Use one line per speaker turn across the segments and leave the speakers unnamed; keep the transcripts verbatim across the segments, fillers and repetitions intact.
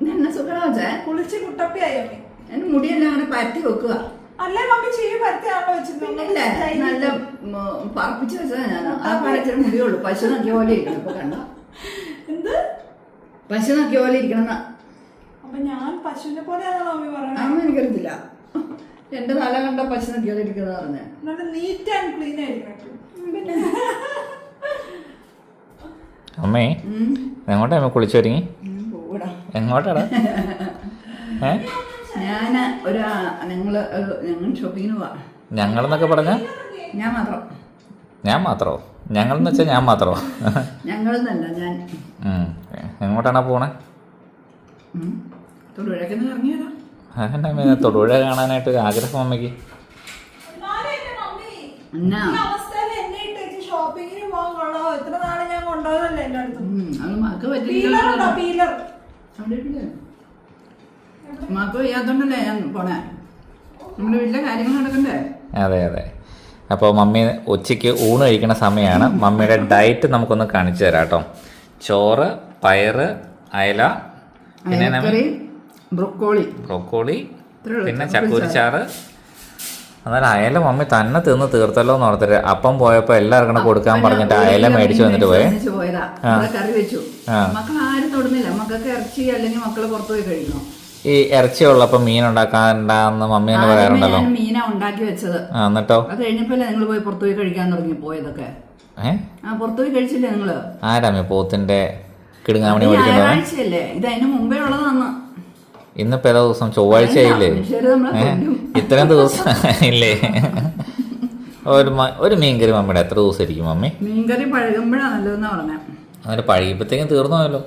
എന്നെ സുഖം വെച്ചേ
കുളിച്ച് കുട്ടപ്പിയായി അമ്മി.
എന്റെ മുടിയെല്ലാം അങ്ങനെ പരത്തി വെക്കുക.
അല്ലേ മമ്മി ചെയ്യും പരത്തിയാണല്ലോ വെച്ചിട്ടുണ്ടല്ലേ?
നല്ല പറപ്പിച്ച് വെച്ചതാ ഞാൻ. ആ പരച്ചിട്ട് മുടിയുള്ളൂ. പശു നോക്കിയ പോലെ ഇരിക്കണം. ഇപ്പൊ കണ്ട
എന്ത്
പശു നോക്കിയ പോലെ ഇരിക്കണം.
അപ്പൊ ഞാൻ പശുവിനെ പോലെയാണോ മമ്മി പറഞ്ഞത്?
അതൊന്നും എനിക്കറിയത്തില്ല. എന്റെ തല കണ്ട പശു നോക്കിയ പോലെ ഇരിക്കുന്ന പറഞ്ഞ
നല്ല നീറ്റ് ആൻഡ് ക്ലീൻ ആയിരിക്കും.
പിന്നെ
അമ്മേ എങ്ങോട്ടാ അമ്മ കുളിച്ചു ഒരുങ്ങി? എങ്ങോട്ടാടാ? ഏ
ഞാന് ഒരു ഞങ്ങള് ഞങ്ങൾ ഷോപ്പിങ്ങിന് പോവാ.
ഞങ്ങളെന്നൊക്കെ പറഞ്ഞ
ഞാൻ മാത്രം.
ഞാൻ മാത്രോ? ഞങ്ങളെന്ന് വെച്ചാൽ ഞാൻ മാത്രോ?
ഞങ്ങളെന്നല്ല ഞാൻ.
എങ്ങോട്ടാണ് പോണേ?
തൊടുപുഴക്കൊന്ന് ഇറങ്ങിയതാ.
അമ്മ തൊടുപുഴ കാണാനായിട്ട് ഒരു ആഗ്രഹം അമ്മയ്ക്ക്.
ഷോപ്പിങ്ങിന് പോകാൻ കൊള്ളോ? എത്ര നാളെ ഞാൻ കൊണ്ടുപോകല്ലേ എന്റെ അടുത്ത്.
മാക്ക് വയ്യാത്തോണ്ടല്ലേ ഞാൻ പോണേ. നമ്മുടെ വീട്ടിലെ കാര്യങ്ങൾ നടക്കണ്ടേ?
അതെ അതെ. അപ്പോൾ മമ്മി ഉച്ചയ്ക്ക് ഊണ് കഴിക്കുന്ന സമയമാണ്. മമ്മിയുടെ ഡയറ്റ് നമുക്കൊന്ന് കാണിച്ചു തരാം കേട്ടോ. ചോറ്, പയറ്, അയല, പിന്നെ
ബ്രൊക്കോളി
ബ്രൊക്കോളി പിന്നെ ചക്കൂരിച്ചാറ്. എന്നാലും അയല മമ്മി തന്നെ തിന്ന് തീർത്തല്ലോ എന്ന് ഓർത്തിട്ട് അപ്പം പോയപ്പോ എല്ലാവർക്കും കൊടുക്കാൻ പറഞ്ഞിട്ട് അയല മേടിച്ചു വന്നിട്ട് പോയേ.
കറി വെച്ചു. മക്കൾ ആരും തൊടുന്നില്ല. മക്കൾക്ക് ഇറച്ചി അല്ലെങ്കിൽ മക്കള് പുറത്തു പോയി കഴിക്കണം.
ഈ ഇറച്ചി ഉള്ളപ്പോ മീൻ ഉണ്ടാക്കാണ്ടെന്ന് മമ്മി തന്നെ പറയാറുണ്ടല്ലോ.
മീനാ ഉണ്ടാക്കി വെച്ചത്.
എന്നിട്ടോ
അത് കഴിഞ്ഞപ്പോ നിങ്ങൾ പോയി പുറത്തു പോയി കഴിക്കാൻ തുടങ്ങി പോയതൊക്കെ.
ഏഹ്
ആ പുറത്തു പോയി കഴിച്ചില്ലേ നിങ്ങള്?
ആരാമേ പോത്തിന്റെ കിടുങ്ങാമണി മേടിക്കുന്നത്?
ഞായറാഴ്ചയല്ലേ? ഇത് അതിന് മുമ്പേ ഉള്ളതാണ്.
ഇന്നിപ്പോ ഏതാ ദിവസം? ചൊവ്വാഴ്ച ആയില്ലേ? ഇത്രയും ദിവസം ഇല്ലേ? ഒരു ഒരു മീൻകറി മമ്മിയുടെ എത്ര ദിവസം ഇരിക്കും മമ്മി?
മീൻകറി പഴകുമ്പോഴാണ് നല്ലതെന്നാ പറഞ്ഞത്.
അങ്ങനെ പഴകിയപ്പോഴത്തേക്കും തീർന്നു പോയല്ലോ.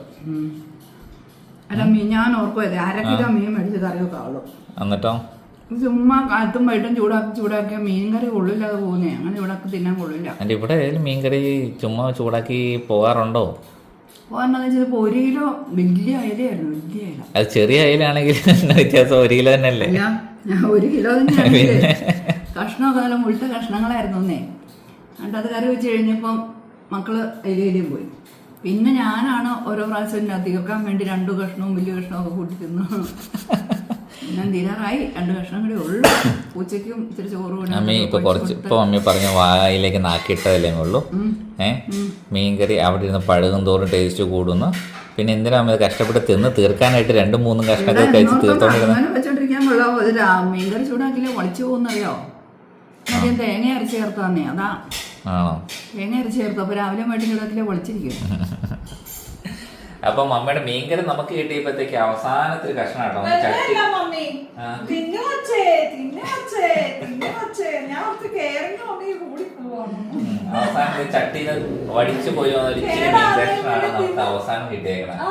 അല്ല മീൻ ഞാൻ ഓർക്കുമല്ലേ അര കിലോ മീൻ മേടിച്ച് കറി വെക്കാവുള്ളൂ.
എന്നിട്ടോ
ചുമ്മാ കാലത്തും വൈകിട്ടും ചൂടാക്കി ചൂടാക്കിയ മീൻകറി കൊള്ളില്ലാതെ പോകുന്നേ. അങ്ങനെ ഇവിടെ തിന്നാൻ കൊള്ളില്ല.
എൻ്റെ ഇവിടെ മീൻകറി ചുമ്മാ ചൂടാക്കി പോകാറുണ്ടോ?
പോകാന്ന് വെച്ചാൽ ഒരു കിലോ വലിയ അയലയായിരുന്നു. വലിയ അയല.
അത് ചെറിയ അയലാണെങ്കിൽ വ്യത്യാസം ഒരു കിലോ തന്നെ അല്ലേ?
ഒരു കിലോ തന്നെയാണ്. കഷ്ണമൊക്കെ നല്ല മുഴുത്ത കഷ്ണങ്ങളായിരുന്നു ഒന്നേ. എന്നിട്ട് അത് കറി വെച്ച് കഴിഞ്ഞപ്പം മക്കള് അയിലേലും പോയി. പിന്നെ ഞാനാണ് ഓരോ പ്രാവശ്യം അധികം വേണ്ടി രണ്ടു കഷ്ണവും വലിയ കഷ്ണവും ഒക്കെ കൂട്ടി തിന്നു. ഞാൻ തീരാറായി. രണ്ട് കഷ്ണം കൂടി ഉള്ളു. ഉച്ചയ്ക്കും ഇച്ചിരി ചോറ് കൂടി.
അമ്മി ഇപ്പൊ കുറച്ച് ഇപ്പൊ മമ്മി പറഞ്ഞ വായിലേക്ക് നാക്കിയിട്ടതല്ലേ ഉള്ളൂ. ഏഹ് മീൻകറി അവിടെ ഇരുന്ന് പഴകും തോറും ടേസ്റ്റ് കൂടുന്നു. പിന്നെ എന്തിനാ അമ്മ കഷ്ടപ്പെട്ട് തിന്ന് തീർക്കാനായിട്ട് രണ്ടും മൂന്നും കഷ്ണങ്ങൾ കഴിച്ച് തീർത്തോണ്ടിരുന്നത്?
വെച്ചോണ്ടിരിക്കാൻ കൊള്ളാവോ? ഒരു മീൻകറി ചൂടാക്കില്ല പൊളിച്ചു പോകുന്നറിയോ? ആദ്യം തേങ്ങ അരച്ച് ചേർത്താന്നേ. അതാ
ആണോ?
തേങ്ങ അരച്ച് ചേർത്തു. അപ്പൊ രാവിലെ വൈകിട്ട് ചൂടാക്കില്ല പൊളിച്ചിരിക്കും.
അപ്പൊ മമ്മിയുടെ മീൻകറി നമുക്ക് കിട്ടിയപ്പോഴത്തേക്ക് അവസാനത്തെ കഷ്ണം കേട്ടോ. അവസാനത്തെ ചട്ടിയിൽ വടിച്ചു പോയി ഇച്ചിരി മീൻ കഷ്ണമാണ് നമുക്ക് അവസാനം കിട്ടിയേക്കണത്.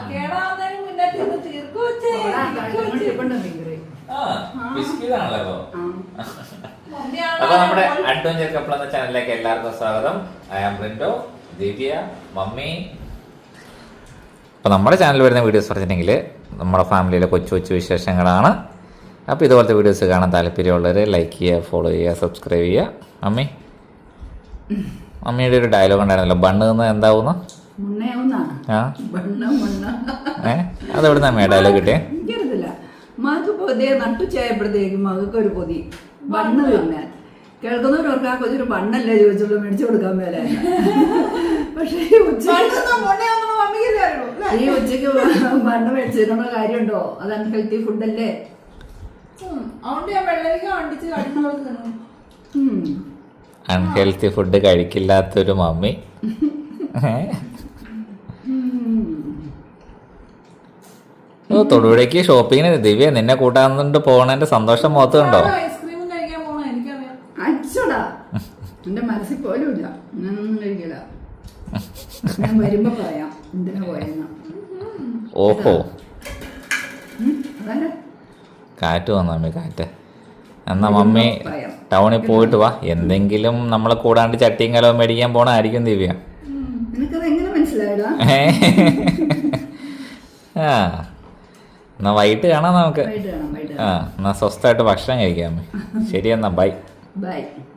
ബിസ്കിറ്റാണല്ലോ. അപ്പൊ നമ്മുടെ അഡ്വഞ്ചർ കപ്പിൾ എന്ന ചാനലിലേക്ക് എല്ലാവർക്കും സ്വാഗതം. I am Rindo, Divya, mummy. അപ്പോൾ നമ്മുടെ ചാനൽ വരുന്ന വീഡിയോസ് പറഞ്ഞിട്ടുണ്ടെങ്കിൽ നമ്മുടെ ഫാമിലിയിലെ കൊച്ചു കൊച്ചു വിശേഷങ്ങളാണ്. അപ്പോൾ ഇതുപോലത്തെ വീഡിയോസ് കാണാൻ താല്പര്യമുള്ളവർ ലൈക്ക് ചെയ്യുക, ഫോളോ ചെയ്യുക, സബ്സ്ക്രൈബ് ചെയ്യുക. മമ്മി മമ്മിയുടെ ഒരു ഡയലോഗ് ഉണ്ടായിരുന്നല്ലോ, ബണ്ണ് നിന്ന് എന്താവുന്നു? ആ ഏ അതെവിടുന്ന അമ്മ ഡയലോഗ് കിട്ടിയേ?
എനിക്കറിയത്തില്ല. മകൾക്ക് പൊതിയെ നട്ടുച്ചായപ്പോഴത്തേക്കും മകൾക്ക് ഒരു പൊതി ബണ്ണ് തിന്നാൻ. കേൾക്കുന്നവരവർക്ക് ആ കൊച്ചൊരു ബണ്ണല്ലേ ചോദിച്ചുള്ളൂ, മേടിച്ചു കൊടുക്കാൻ മേലെ. പക്ഷേ ഈ ഉച്ചക്ക് ബണ്ണ് മേടിച്ചിട്ടുള്ള കാര്യമുണ്ടോ? അത് അൺഹെൽത്തി ഫുഡല്ലേ.
അൺഹെൽത്തി ഫുഡ് കഴിക്കില്ലാത്തൊരു മമ്മി. ഓ തൊടുപുഴയ്ക്ക് ഷോപ്പിങ്ങിന് ദിവ്യ നിന്നെ കൂട്ടാന്നുണ്ട് പോണേന്റെ സന്തോഷം മുഖത്ത് കണ്ടോ?
അച്ചോടാ എന്റെ മനസ്സിൽ പോലും ഇല്ല. ഞാനൊന്നും കഴിക്കില്ല. ഞാൻ വരുമ്പോ പറയാം എന്തിനാ പോയെന്ന്.
ഓഹോ കാറ്റ് വന്നു മമ്മി, കാറ്റ്. എന്നാ മമ്മി ടൗണിൽ പോയിട്ട് വാ. എന്തെങ്കിലും നമ്മളെ കൂടാണ്ട് ചട്ടിയും കലവും മേടിക്കാൻ പോണായിരിക്കും ദിവ്യ. ആ എന്നാ വൈകിട്ട് കാണാം നമുക്ക്. ആ എന്നാ സ്വസ്ഥമായിട്ട് ഭക്ഷണം കഴിക്കാം. ശരി എന്നാ ബൈ.
ബൈ.